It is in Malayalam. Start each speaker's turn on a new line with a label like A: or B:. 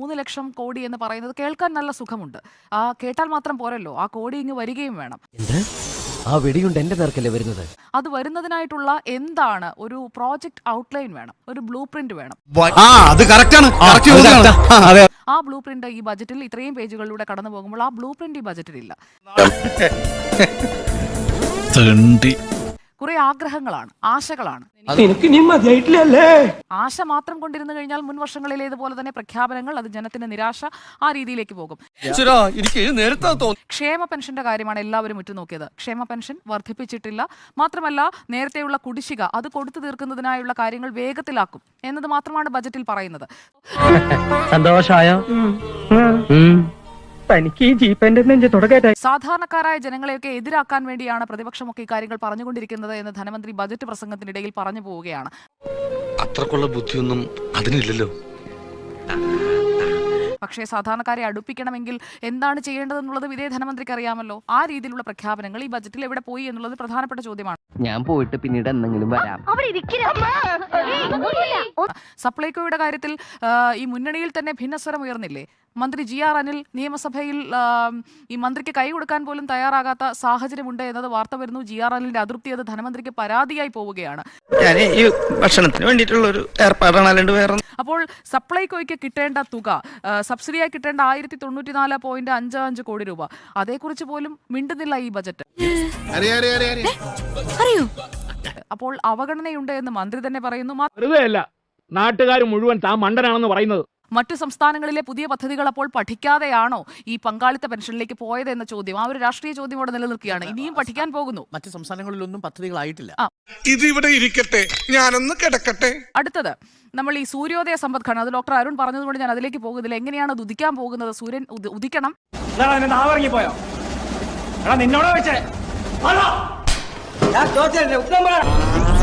A: 3 ലക്ഷം കോടി എന്ന് പറയുന്നത് കേൾക്കാൻ നല്ല സുഖമുണ്ട്. കേട്ടാൽ മാത്രം പോരല്ലോ, ആ കോടി ഇങ്ങ് വരികയും വേണം.
B: ആ വെടിയുണ്ട് എന്റെ നേർക്കല്ലേ വരുന്നത്.
A: അത് വരുന്നതിനായിട്ടുള്ള എന്താണ് ഒരു പ്രോജക്റ്റ് ഔട്ട്ലൈൻ വേണം, ഒരു ബ്ലൂ പ്രിന്റ് വേണം. ആ ബ്ലൂ പ്രിന്റ് ഈ ബജറ്റിൽ ഇത്രയും പേജുകളിലൂടെ കടന്നു പോകുമ്പോൾ ആ ബ്ലൂ പ്രിന്റ് ഈ ബജറ്റിൽ ഇല്ല. കുറെ ആഗ്രഹങ്ങളാണ്, ആശകളാണ്. ആശ മാത്രം കൊണ്ടിരുന്നു കഴിഞ്ഞാൽ മുൻ വർഷങ്ങളിലേതുപോലെ തന്നെ പ്രഖ്യാപനങ്ങൾ, അത് ജനത്തിന്റെ നിരാശ ആ രീതിയിലേക്ക് പോകും. ക്ഷേമ പെൻഷന്റെ കാര്യമാണ് എല്ലാവരും ഉറ്റുനോക്കിയത്. ക്ഷേമ പെൻഷൻ വർദ്ധിപ്പിച്ചിട്ടില്ല. മാത്രമല്ല നേരത്തെയുള്ള കുടിശ്ശിക അത് കൊടുത്തു തീർക്കുന്നതിനായുള്ള കാര്യങ്ങൾ വേഗത്തിലാക്കും എന്നത് മാത്രമാണ് ബജറ്റിൽ പറയുന്നത്.
B: സന്തോഷായോ?
A: സാധാരണക്കാരായ ജനങ്ങളെയൊക്കെ എതിരാക്കാൻ വേണ്ടിയാണ് പ്രതിപക്ഷമൊക്കെ ഇക്കാര്യങ്ങൾ പറഞ്ഞുകൊണ്ടിരിക്കുന്നത് എന്ന് ധനമന്ത്രി ബജറ്റ് പ്രസംഗത്തിനിടയിൽ പറഞ്ഞു പോവുകയാണ്.
C: അത്രക്കുള്ള ബുദ്ധിയൊന്നും അതിനില്ലല്ലോ.
A: പക്ഷേ സാധാരണക്കാരെ അടുപ്പിക്കണമെങ്കിൽ എന്താണ് ചെയ്യേണ്ടതെന്നുള്ളത് ഇതേ ധനമന്ത്രിക്ക് അറിയാമല്ലോ. ആ രീതിയിലുള്ള പ്രഖ്യാപനങ്ങൾ ഈ ബജറ്റിൽ എവിടെ പോയി എന്നുള്ളത് പ്രധാനപ്പെട്ട ചോദ്യമാണ്.
B: ഞാൻ പോയിട്ട് പിന്നീട് എന്തെങ്കിലും വരാം.
A: സപ്ലൈകോയുടെ കാര്യത്തിൽ ഈ മുന്നണിയിൽ തന്നെ ഭിന്നസ്വരം ഉയർന്നില്ലേ? മന്ത്രി GR അനിൽ നിയമസഭയിൽ ഈ മന്ത്രിക്ക് കൈ കൊടുക്കാൻ പോലും തയ്യാറാകാത്ത സാഹചര്യമുണ്ട് എന്നത് വാർത്ത വരുന്നു. GR അനിലിന്റെ അതൃപ്തി അത് ധനമന്ത്രിക്ക് പരാതിയായി പോവുകയാണ്.
D: ഭക്ഷണത്തിന് വേണ്ടിയിട്ടുള്ള ഒരു ഏർപ്പാടാണ്.
A: അപ്പോൾ സപ്ലൈകോയ്ക്ക് കിട്ടേണ്ട തുക, സബ്സിഡിയായി കിട്ടേണ്ട 1094.55 കോടി രൂപ, അതേക്കുറിച്ച് പോലും മിണ്ടുന്നില്ല ഈ ബജറ്റ്. അപ്പോൾ അവഗണനയുണ്ട് എന്ന് മന്ത്രി തന്നെ പറയുന്നു.
E: നാട്ടുകാർ മുഴുവൻ താൻ മണ്ടനാണെന്ന് പറയുന്നത്.
A: മറ്റു സംസ്ഥാനങ്ങളിലെ പുതിയ പദ്ധതികൾ അപ്പോൾ പഠിക്കാതെയാണോ ഈ പങ്കാളിത്ത പെൻഷനിലേക്ക് പോയത് എന്ന ചോദ്യം, ആ ഒരു രാഷ്ട്രീയ ചോദ്യം അവിടെ നിലനിൽക്കുകയാണ്. ഇനിയും പഠിക്കാൻ പോകുന്നു.
F: മറ്റു സംസ്ഥാനങ്ങളിലൊന്നും പദ്ധതികളായിട്ടില്ല.
C: ഇതിവിടെ ഇരിക്കട്ടെ, ഞാനൊന്ന് കിടക്കട്ടെ.
A: അടുത്തത് നമ്മൾ ഈ സൂര്യോദയ സമ്പദ്ഘടന, അത് ഡോക്ടർ അരുൺ പറഞ്ഞതുകൊണ്ട് ഞാൻ അതിലേക്ക് പോകുന്നില്ല. എങ്ങനെയാണ് അത് ഉദിക്കാൻ പോകുന്നത്? സൂര്യൻ ഉദിക്കണം.
E: നിന്നോട്